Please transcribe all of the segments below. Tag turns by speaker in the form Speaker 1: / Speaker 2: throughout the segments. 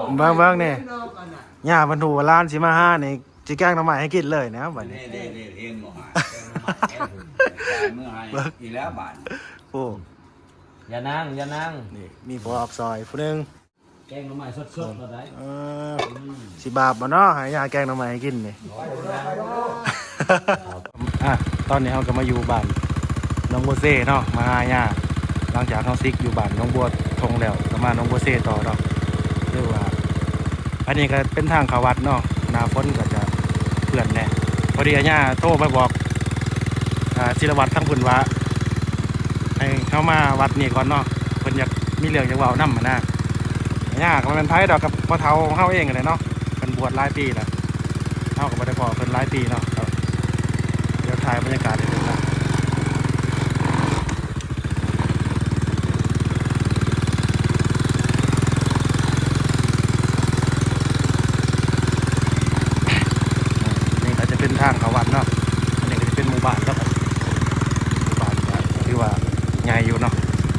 Speaker 1: เบิ่งนี่ย่าบรรทุกร้านสิมาห้านี่สิแกงหน่อไม้ให้กินเลยนะบัดนี้
Speaker 2: เด้เห็นบ่หาเมื่อให้อีแล้วบาท
Speaker 1: โอ้
Speaker 3: อย่านั่ง
Speaker 1: นี่มีพอออกซอยผู้นึง
Speaker 3: แกงหน่อไม้สดๆก็ได้
Speaker 1: สิบาปบ่เนาะให้ย่าแกงหน่อไม้ให้กินนี่ตอนนี้เราก็มาอยู่บ้านน้องบัวเซ่เนาะมาหาย่าหลังจากเขาซิกอยู่บ้านน้องบัวทงแล้วก็มาน้องบัวเซ่ต่อเนาะเรียกว่าอันนี้ก็เป็นทางเขาวัดเนาะหน้าฝนก็จะเปื่อนแน่พอดีย่าโทรไปบอกศิลวัตรทั้งพุ่นว่าให้เข้ามาวัดนี่ก่อนเนาะเพิ่นอยากมีเรื่องจะเว้านำนะย่าก็มันเป็นไผดอกกับพ่อเฒ่าเฮาเองเลยเนาะเพิ่นบวชหลายปีแล้วเฮาก็บ่ได้พอเพิ่นหลายปีเนาะเดี๋ยวถ่ายบรรยากาศให้ดูนะนี่ก็จะเป็นทางเขาวัดเนาะอันนี้ก็จะเป็นหมู่บ้านแล้วครับหมู่บ้านที่ว่าใหญ่อยู่เนาะ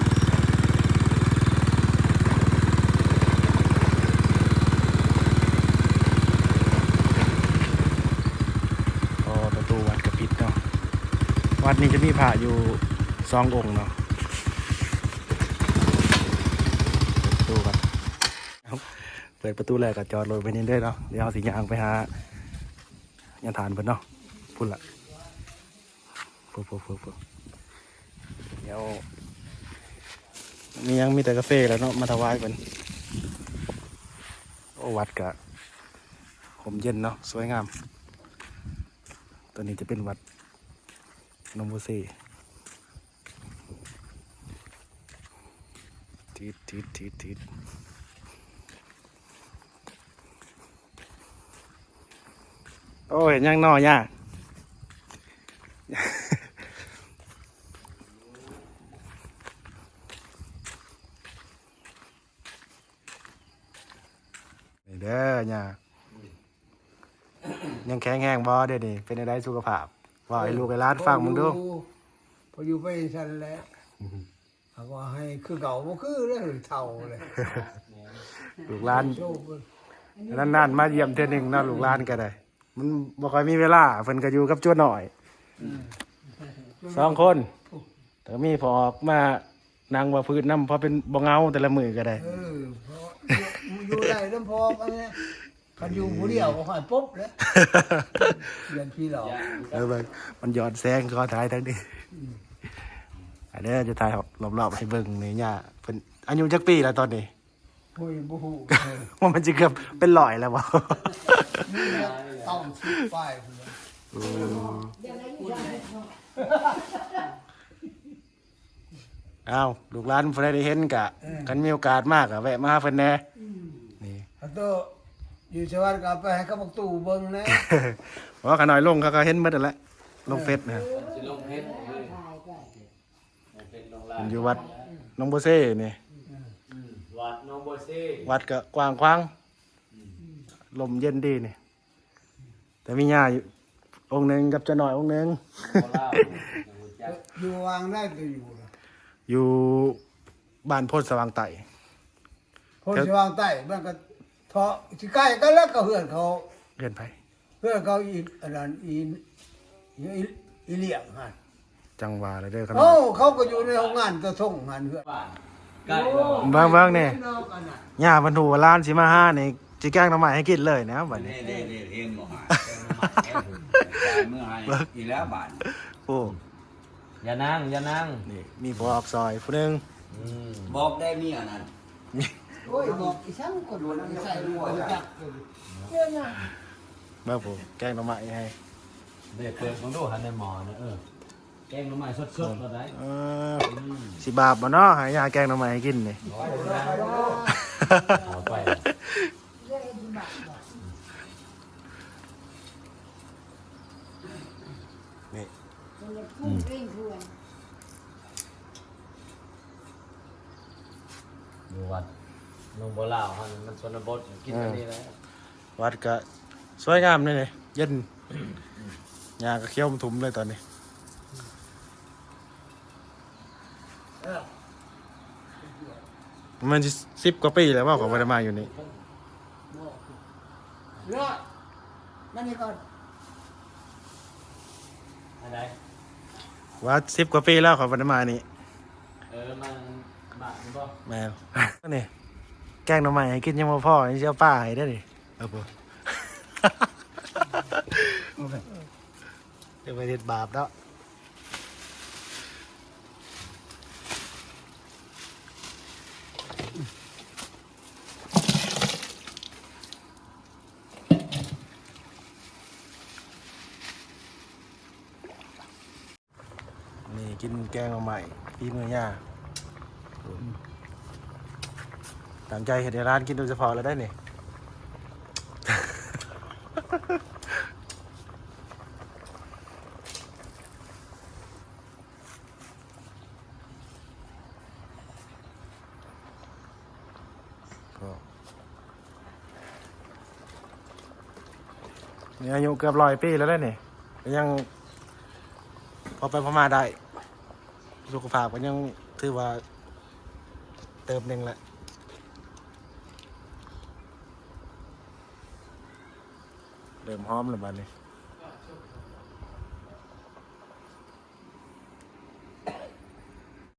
Speaker 1: ประตูวัดกระปิดเนาะวัดนี้จะมีพระอยู่2 องค์เนาะประตูวัดเปิดประตูแรกก็จอดรถไปนี่ได้เนาะเดี๋ยวเอาสิย่างไปหายันฐานเพิ่นเนาะพุ่นละปุ๊บเดี๋ยวมีแต่กาแฟแล้วเนาะมาถวายเพิ่นโอ้วัดกะผมเย็นเนาะสวยงามตัวนี้จะเป็นวัดนมโบเซ่ทิดโอ้เห็นยังนอย่าเด้อย่ายังแข็งแห้งบ่เด้นี่เป็นได้สุขภาพว่าไอ้ลูกไอ้หลานฟังมึงดู
Speaker 4: พออยู่ไปฉันแล้วเขาก็ให้คือเก่าบ่คือเลยเท่าเลย
Speaker 1: ลูกหลานนั่นมาเยี่ยมเทื่อนึงเนาะลูกหลานก็ได้มันบ่ค่อยมีเวลาเพิ่นก็อยู่กับจั่วหน่อย2 คนแต่มีพอออกมานั่งว่าพื้นน้ำพอเป็นบ่เงาแต่ละมือก็ได้
Speaker 4: เพราะอยู่ได้น้ำพอกันเนี่ยคันอยู่ผู้เดียวก็หายปุ๊บเลยเรียนพี่เรา
Speaker 1: มันหยอดแสงก็ถ่ายทั้งนี้อันนี้จะถ่ายรอบๆให้เบิ่งนี่ย่าเพิ่นอายุจักปีแล้วตอนนี้
Speaker 4: โอ้ยบ่ฮู้
Speaker 1: ว่ามันจะเกือบเป็น100แล้วบ่
Speaker 4: นี่ต้องชิดป้าย
Speaker 1: อ้าวลูกหลานเพิ่นได้เห็นกะกันมีโอกาสมากอะแวะมาหาเพิ่นแน่นี่
Speaker 4: ตัวอยู่ชาวบ้านก็ไปให้เขาบอกตู่เบิ่งนะ
Speaker 1: เพราะว่าขน้อยลงเขาก็เห็นหมดแล้วลงเฟซนะ
Speaker 3: สิลงเพชร
Speaker 1: อยู่วัดน้องโบเซ่นี่
Speaker 3: วัดน้องโบเซ่
Speaker 1: วัดก็กว้างขวางลมเย็นดีนี่แต่มีย่าอยู่องค์นึงกับเจ้าหน่อยองค์นึง
Speaker 4: อยู่วางได้ก็
Speaker 1: อยู่บ้านโพธิ์สว่างไต่
Speaker 4: โพธิ์สว่างไต่มันก็เถาะสิใกล้กันแล้วก็เฮือนเขา
Speaker 1: เฮือนไผ
Speaker 4: เฮือนเขาอีอันนั้นอีเลี้ยงหั่น
Speaker 1: จังหวะเลยเด้อ
Speaker 4: เขาก็อยู่ในโรงงานตะส่งหั่นเฮือน
Speaker 3: ใกล้
Speaker 1: เบิ่งนี่ย่าบรรทุกร้านสิมาห้านี่สิแกงหน่อไม้ให้กินเลยนะบัดนี้
Speaker 2: เด้เห็นบ่หาเมื่อให้อีแล้วบาท
Speaker 1: โอ้
Speaker 3: อย่านั่ง
Speaker 1: นี่มีพอออกซอยผู้นึง
Speaker 2: บอกได้มีอันนั้น
Speaker 4: โอ้ยบอกอีช่างก็โดนใส่หัวจัก
Speaker 1: มาผมแกงหน่อไม้ให้
Speaker 3: เด็กเปิดของดูหันในหมอนะแกงหน่อไม้สดๆก็ได้
Speaker 1: สิบาปบ่เนาะให้ย่าแกงหน่อไม้ให้กินนี่
Speaker 3: เอาไป
Speaker 1: นี่
Speaker 3: ดูวัดลงโบราณมันชนบทกินอันนี้แล้ว
Speaker 1: วัดก็สวยงามเลยเย็นหญ้าก็เขียวทุ่มเลยตอนนี้มัน10 กว่าปีแล้วว่าของมันมาอยู่นี่
Speaker 4: บอกเลิศนั่นนี่ก่อน
Speaker 3: อะไร
Speaker 1: ว่า10 กว่าปีแล้วขอวันมานี่
Speaker 3: มันบาทนี่บ่
Speaker 1: แม่นนี่แกงหน่อไม้ให้กินยังบ่พอนี่สิเอาป้าให้ได้อนี่เอาบ่จะไปเฮ็ดบาปแล้วนี่กินแกงหน่อไม้ปีมือย่าตามใจเห็ดในร้านกินโดยเฉพาะแล้วได้นี่ ก็นี่อายุเกือบ100 ปีแล้วได้นี่ก็ยังพอไปพม่าได้สุขภาพก็ยังถือว่าเติมหนึ่งแหละเริ่มหอมแล้วบัดนี้